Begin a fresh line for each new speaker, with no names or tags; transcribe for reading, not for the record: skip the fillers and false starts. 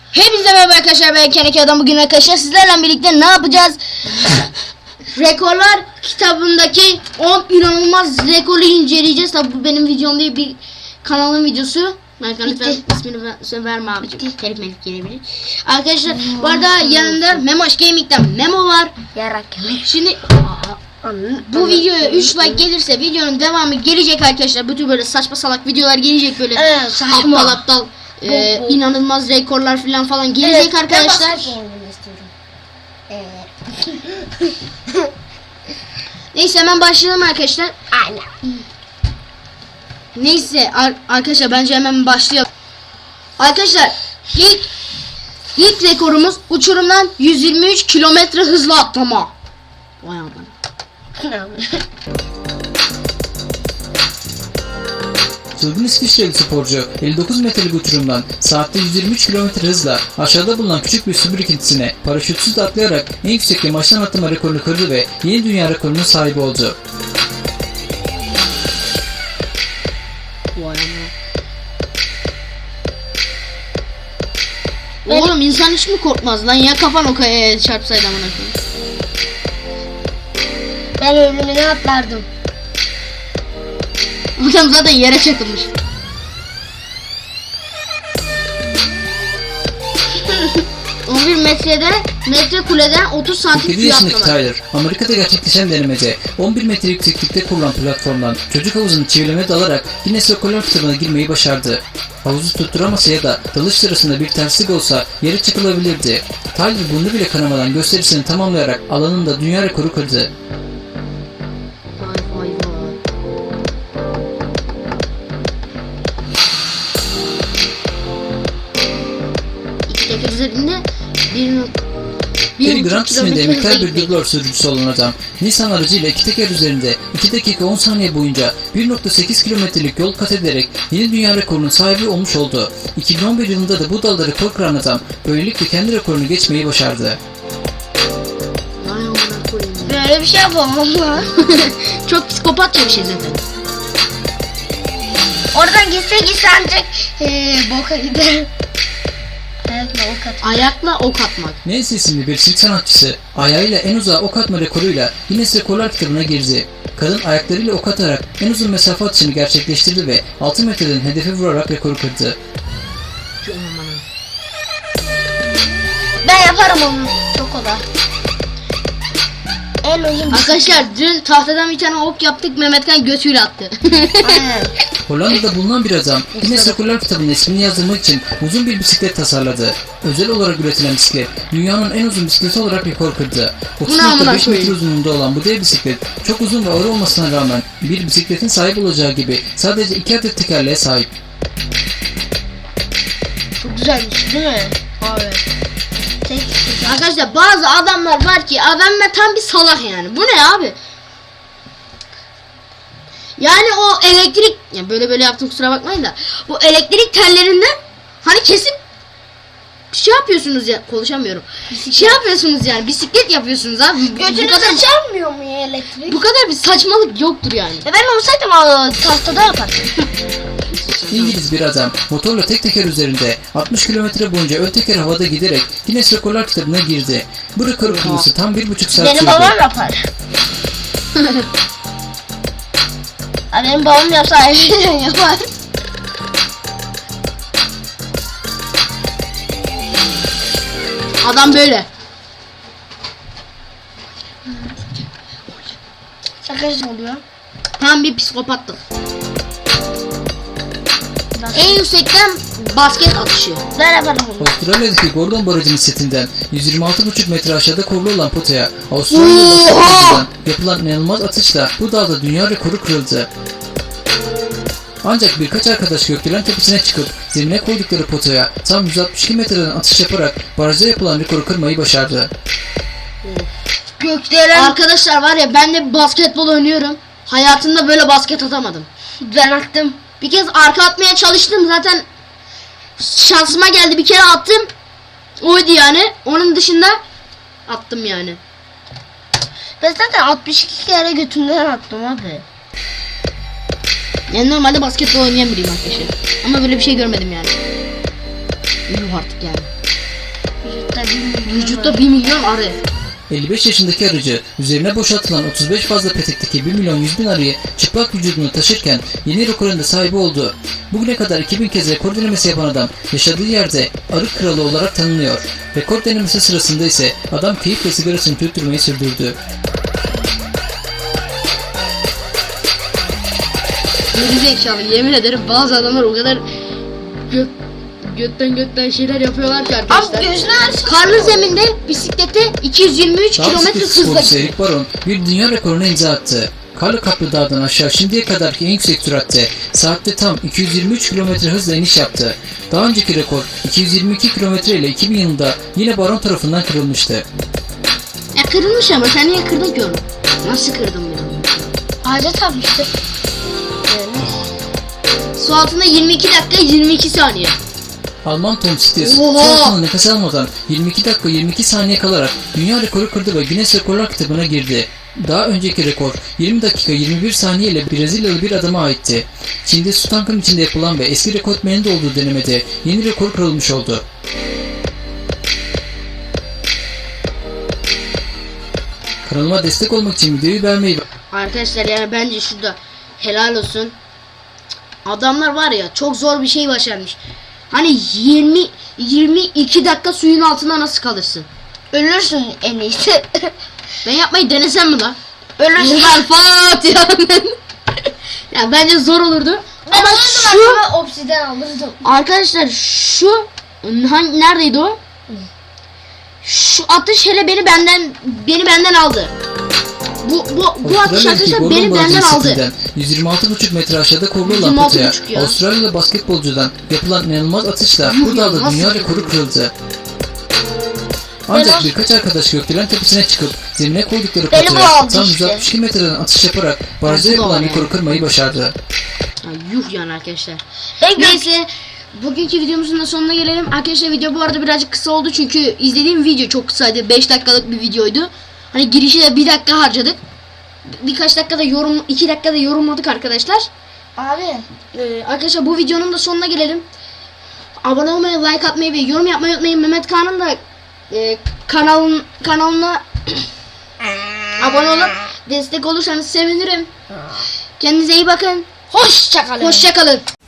Hepinize merhaba arkadaşlar, ben Keneki Adam. Bugün arkadaşlar sizlerle birlikte ne yapacağız? Rekorlar kitabındaki 10 inanılmaz rekoru inceleyeceğiz. Tabi bu benim videom değil, bir kanalın videosu. Lütfen ismini verme abicim. Telif melif gelebilir. Arkadaşlar bu arada yanında Memoş Gaming'den Memo var.
Yarak.
Şimdi bu videoya 3 like gelirse videonun devamı gelecek arkadaşlar. Bütün böyle saçma salak videolar gelecek, böyle aptal inanılmaz rekorlar falan gelecek arkadaşlar. Neyse hemen başlayalım arkadaşlar.
Aynen.
Neyse arkadaşlar bence hemen başlayalım. Arkadaşlar ilk rekorumuz uçurumdan 123 kilometre hızla atlama. Vay aman.
Çılgın İsviçreli sporcu 59 metrelik uçurumdan saatte 123 km hızla aşağıda bulunan küçük bir su birikintisine paraşütsüz atlayarak en yüksek yamaçtan atlama rekorunu kırdı ve yeni dünya rekorunun sahibi oldu.
Vay aman. Oğlum insan hiç mi korkmaz lan, ya kafan o kayaya çarpsaydı amına koyayım.
Ben ölümüne atlardım.
Adam zaten yere çakılmış. ...11 metre kuleden 30 santim
47
suya
yaşındaki
atlamak.
Tyler, Amerika'da gerçekleşen denemede 11 metre yükseklikte kurulan platformdan çocuk havuzunu çevirmeye dalarak Guinness Rekorlar kitabına girmeyi başardı. Havuzu tutturamasa ya da dalış sırasında bir terslik olsa yere çakılabilirdi. Tyler bunu bile kanamadan gösterisini tamamlayarak alanında dünya rekoru kırdı.
Vay vay vay. İki teker üzerinde
Gary Grant isminde emektar bir dublör sürücüsü olan adam, Nissan aracıyla iki teker üzerinde 2 dakika 10 saniye boyunca 1.8 kilometrelik yol kat ederek yeni dünya rekorunun sahibi olmuş oldu. 2011 yılında da bu dalda rekor kıran adam böylelikle kendi rekorunu geçmeyi başardı.
Böyle bir şey yapamam lan.
Çok psikopatça bir şey zaten.
Oradan gitse ancak boka gider. Ayakla ok at.
Ayakla ok atmak.
Nancy isimli bir Türk sanatçısı ayağıyla en uzağa ok atma rekoruyla Guinness Rekorlar kitabına girdi. Kadın ayaklarıyla ok atarak en uzun mesafe atışını gerçekleştirdi ve 6 metreden hedefe vurarak rekoru kırdı.
Ben yaparım onu. Çok kolay. En uzun.
Arkadaşlar dün tahtadan bir tane ok yaptık, Mehmetkan götüyle attı.
Aynen.
Hollanda'da bulunan bir adam Guinness Rekorlar kitabına ismini yazdırmak için uzun bir bisiklet tasarladı. Özel olarak üretilen bisiklet dünyanın en uzun bisikleti olarak rekor kırdı. 30.5 metre uzunluğunda olan bu dev bisiklet çok uzun ve ağır olmasına rağmen bir bisikletin sahip olacağı gibi sadece 2 adet tekerleğe sahip.
Çok güzelmiş değil mi? Evet.
Arkadaşlar bazı adamlar var ki adamlar tam bir salak yani. Bu ne abi? Yani o elektrik, ya böyle yaptım kusura bakmayın da, bu elektrik tellerinden hani kesip şey yapıyorsunuz ya, konuşamıyorum. Şey yapıyorsunuz yani, bisiklet yapıyorsunuz abi.
Götünüze çarpmıyor mu ya elektrik?
Bu kadar bir saçmalık yoktur yani.
Ben olsaydım tahtada yapardım.
İngiliz bir adam motorla tek teker üzerinde 60 kilometre boyunca ön teker havada giderek Guinness Rekorlar kitabına girdi. Bu rekoru kırması tam 1,5 saat
Benim
sürdü.
babam yapar. Benim babam yapsa yapar.
Adam böyle.
Sakız oluyor.
Tam bir psikopatlık. En yüksekten basket atışı.
Ben yaparım bunu.
Avustralya'daki Gordon Barajı'nın setinden 126,5 metre aşağıda kurulu olan potaya Avustralya'da yapılan inanılmaz atışla bu dağda dünya rekoru kırıldı. Ancak birkaç arkadaş gökdelen tepesine çıkıp zemine koydukları potaya tam 162 metreden atış yaparak barajda yapılan rekoru kırmayı başardı.
Gökdelen. Arkadaşlar var ya, ben de basketbol oynuyorum. Hayatımda böyle basket atamadım.
Ben attım.
Bir kez arka atmaya çalıştım, zaten şansıma geldi, bir kere attım. Oydu yani. Onun dışında attım yani.
Ben zaten 62 kere götümden attım abi.
Yani normalde basketbol oynayan biriyim arkadaşlar. Ama böyle bir şey görmedim yani. Yuh artık yani. Vücutta 1 milyon arı.
55 yaşındaki arıcı üzerine boşaltılan 35 fazla petekteki 1 milyon 100 bin arıyı çıplak vücudunu taşırken yeni rekorun da sahibi oldu. Bugüne kadar 2000 kez rekor denemesi yapan adam yaşadığı yerde arı kralı olarak tanınıyor. Rekor denemesi sırasında ise adam keyifle sigarasını tüttürmeyi sürdürdü.
Geri zekalı, yemin ederim bazı adamlar o kadar götten şeyler yapıyorlar ki arkadaşlar.
Abi gözünü aç.
Karlı zeminde bisiklete 223
Dağ
kilometre
bisikleti
hızla
sporcusu Eric Baron bir dünya rekoruna imza attı. Karlı Kaplı Dağ'dan aşağı şimdiye kadarki en yüksek süratte saatte tam 223 km hızla iniş yaptı. Daha önceki rekor 222 km ile 2000 yılında yine Baron tarafından kırılmıştı.
Ya kırılmış ama sen niye kırdın ki onu? Nasıl kırdın bunu?
Ağaca tapmıştır.
Su altında 22 dakika 22 saniye.
Alman Tom Stiers
Oha!
su altında nefes almadan 22 dakika 22 saniye kalarak dünya rekoru kırdı ve Guinness Rekorlar kitabına girdi. Daha önceki rekor 20 dakika 21 saniye ile Brezilyalı bir adama aitti. Çin'de su tankının içinde yapılan ve eski rekortmenin de olduğu denemede yeni rekor kırılmış oldu. Kanalıma destek olmak için videoyu beğenmeyi
Arkadaşlar yani bence şurada helal olsun. Adamlar var ya çok zor bir şey başarmış. Hani 22 dakika suyun altında nasıl kalırsın?
Ölürsün en iyisi.
Ben yapmayı denesem mi lan?
Ölürsün.
Yıllar Fatiha. Ya bence zor olurdu.
Ben
Ama
şu
şu
obsiden alırdım.
arkadaşlar şu neredeydi o? Şu atış hele beni benden aldı. Bu atış arkadaşlar beni benden aldı.
126,5 metre aşağıda korulu olan
126,5
potaya
ya.
Avustralyalı basketbolcudan yapılan inanılmaz atışla bu dağda
nasıl
dünya
ya?
rekoru kırıldı. Ancak
Beyler-
birkaç arkadaş gökdelen tepesine çıkıp zemine koydukları
Beni bu
potaya
aldı
tam
işte.
162 metreden atış yaparak barajda
bu da
yapılan
var
rekoru
yani.
kırmayı başardı.
Ya yuh yani arkadaşlar.
Ben
Neyse bugünkü videomuzun da sonuna gelelim. Arkadaşlar video bu arada birazcık kısa oldu çünkü izlediğim video çok kısaydı. 5 dakikalık bir videoydu. Hani girişi de 1 dakika harcadık. Birkaç dakikada 2 dakikada yorumladık arkadaşlar.
Abi.
Arkadaşlar bu videonun da sonuna gelelim. Abone olmayı, like atmayı ve yorum yapmayı unutmayın. Mehmet Kaan'ın da kanalına abone olup destek olursanız sevinirim. Kendinize iyi bakın.
Hoşça kalın.
Hoşça kalın.